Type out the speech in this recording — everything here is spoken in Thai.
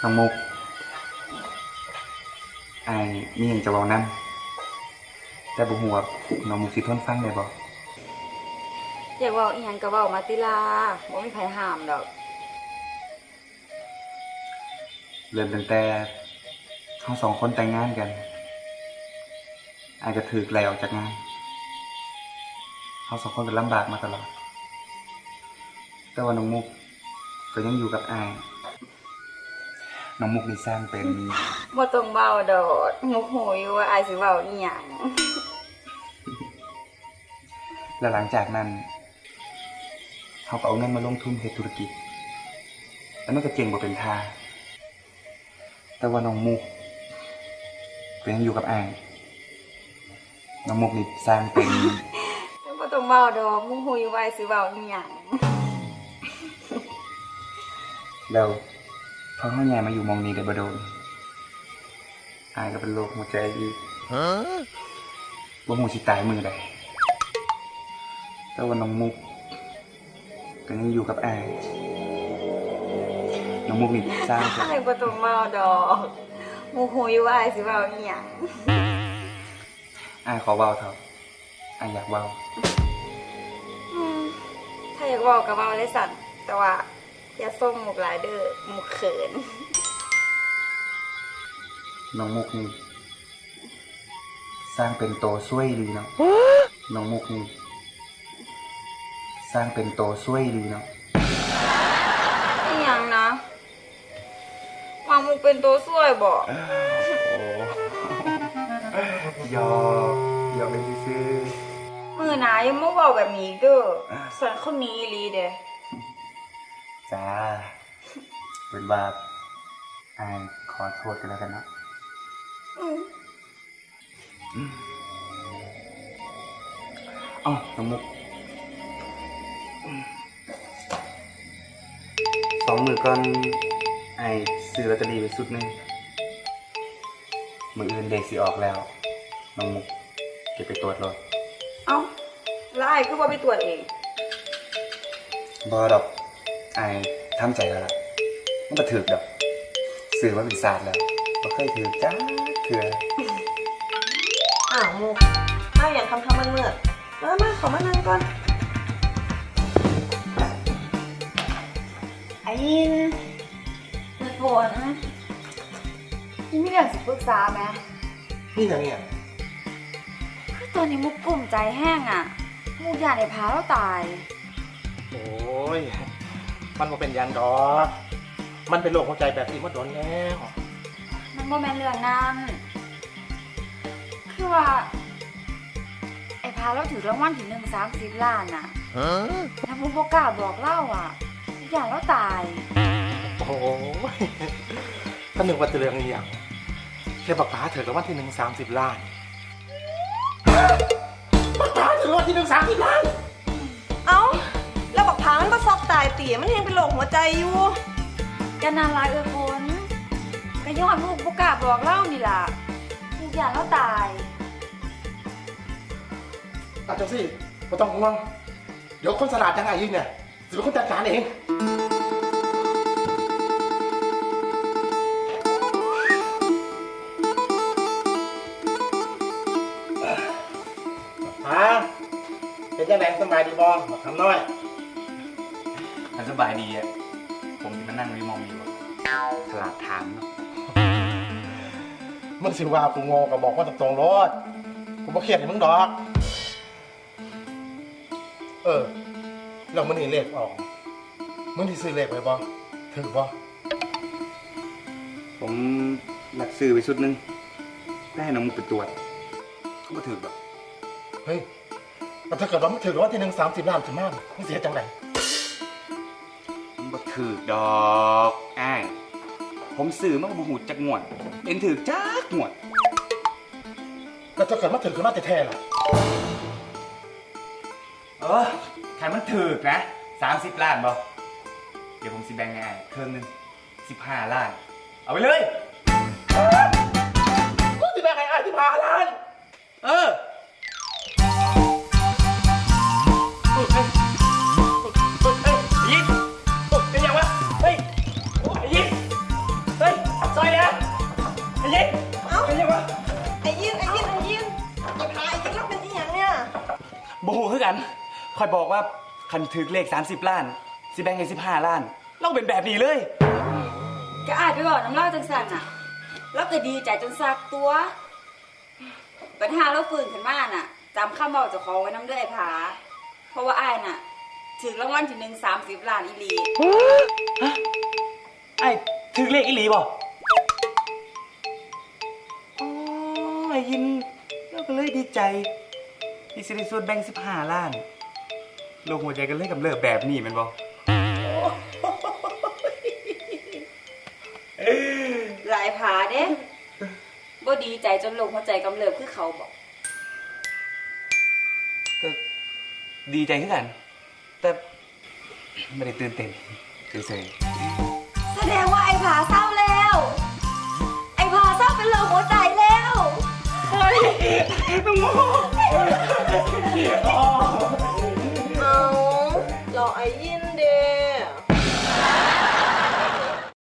น้องมุกไอ้มีอย่างจะบอกนั่นแต่บุหัวน้องมุกสิทนฟังได้บ่อยากเว้าอีหยังก็เว้ามาติลาบ่มีไผห้ามดอกเริ่มตั้งแต่เราสองคนแต่งงานกันไอ้ก็ถูกไล่ออกจากงานเราสองคนก็ลำบากมาตลอดแต่ว่าน้องมุกก็ยังอยู่กับไอ้น้องมุกนี่สร้างเป็นบ่ต้องเว้าดอกมุกหูอยู่ว่าอายสิเว้าอีหยังแล้วหลังจากนั้นเขาก็เอาเงินมาลงทุนเฮ็ดธุรกิจแล้วมันก็เจ๋งบ่เป็นท่าแต่ว่าน้องมุกก็ยังอยู่กับอ้ายน้องมุกนี่สร้างเป็นบ่ต้องเว้าดอกมุกหูอยู่ว่าอายสิเว้าอีหยังแล้วพอเขาย้ายมาอยู่หมองนี้ได้บ่โดนอายก็เป็นโรคหัวใจอีกบ่ฮู้สิตายมื้อใดแต่ว่าน้องมุกก็ยังอยู่กับอายน้องมุกนี่สร้างเป็นอายบ่ต้องเว้าดอกมุกหูอยู่ว่าอายสิเว้าอีหยังอายขอเว้าเถอะอายอยากเว้าถ้าอยากเว้าก็เว้าเลยสั่นแต่ว่าอย่าส่งมุกหลายเด้อมุกเขินน้องมุกนี่สร้างเป็นโตช่วยดีเนาะน้องมุกนี่สร้างเป็นโตช่วยดีเนาะอีหยังนะว่ามุกเป็นตัวช่วยบ่โอ้ยอกเลยซื่อมื้อหน้ายังมาเว้าแบบนี้อีกเด้อสั่นคนนี้อีหลีเด้จ้าเป็นว่าอายขอโทษกันแล้วกันเนาะอ๋อน้องมุก2 มื้อก่อนไอ้ซื้อลอตเตอรี่ไปสุดหนึงมื้ออื่นเลขสิออกแล้วน้องมุกเก็บไปตรวจรถเอ้าแล้วอ้ายคือบ่ไปตรวจเองบ่ดอกไอ้ทำใจแล้วล่ะมันบ่ถูกดอกซื้อมาเป็นศาสตร์แล้วบ่เคยถูกจ้าเถื่ออ้าวมุกอ้าวอย่างคำมันเมื่อมาขอมานั่งก่อนไอ้ยินเปิดฝนนี่มีเรื่องสิปรึกษาไหมนี่อย่างเนี้ยคือตอนนี้มุกกลุ่มใจแห้งอ่ะมุกอยากได้พาเราตายโอ้ย มันมาเป็นยันดอกมันเป็นโรคหัวใจแบบที่มันโดนแล้วมันบ่แม่นเรื่องนั้นคือว่า ไอ้พาเราถือรางวัลที่1 30 ล้านอ่ะแล้วมุกบ่กล้าบอกเล่าอ่ะมุกอยากเราตายโอ้ยถ้าหนึ่งว่าจะเรื่องอหย่างแค่ปากป๋าเถอะกับวันที่1 30 ล้านปากป๋าถือวันที่1 30 ล้านเอ้าแล้วบักพามันก็ซอกตายเตี๋ยมันยังเป็นโรคหัวใจอยู่จะนานหลายฝนก็ย้อนมุกบ่กล้าบอกเล่านี่ล่ะมุกอยากเราตายอาจจะสิไม่ต้องห่วงเดี๋ยวคนสลาดยังไงยิงเนี่ยจะเป็นคนจัดการเองเป็นยังไงสบายดีบอบอกคำน้อยมันสบายดีอ่ะผมที่มานั่งวิมองอยู่ฉลาดถามเนาะมึงสิว่ากูงงก็บอกว่าตรงๆรถกูบ่เครียดให้มึงดอก แล้วมึงนี่เลขออกมึงที่ซื้อเลขไว้บ่ถึงบ่ผมหลักซื้อไปชุดหนึงได้ให้น้องมุกไปตรวจเขาบ่ถูกหรอกเฮ้ยแต่ถ้าเกิดว่ามึงถึงว่าที่1 30 ล้านถึงมากมึงเสียจังไดมันบ่ถูกดอกอ้ายผมซื้อมาบ่ฮู้จักงวดเห็นถูกจักงวดแล้วถ้าเกิดมาถึงคือมาแต่แท้ล่ะใครมันถูกนะ30 ล้านบ่เดี๋ยวผมสิแบ่งให้อ้ายครึ่งหนึง15 ล้านเอาไปเลยมึงสิแบ่งให้อ้าย15 ล้านเออยิงเป็นยังวะเฮ้ยยิงเฮ้ยบ่ฮู้คือกันคอยบอกว่าคันถึกเลข30ล้านสิแบ่งให้15ล้านเราเป็นแบบนี้เลยก็อายไปบอกน้ำเล่าจังสันน่ะ แล้วก็ดีใจจนซักตัว ปัญหาเราฟื้นขึ้นมาน่ะจำคำบอกเจ้าของไว้น้ำเด้อไอ้ผา เพราะว่าอ้ายน่ะถึงรางวัลที่1 30 ล้านอีหลีไอ้ถึกเลขอีหลีบ่อ๋อไอ้ยินเราก็เลยดีใจที่สิได้ส่วนแบ่ง15ล้านโลกหัวใจกันเลยกำเริบแบบนี้แม่นบ่หลายผาเด้บ่ดีใจจนลงหัวใจกำเริบคือเขาบอกก็ดีใจคือกัน แต่ไม่ได้ตื่นเต้นเฉยแสดงว่าไอ้ผาเศร้าแล้ว ไอ้ผาเศร้าเป็นโรคหัวใจแล้วๆ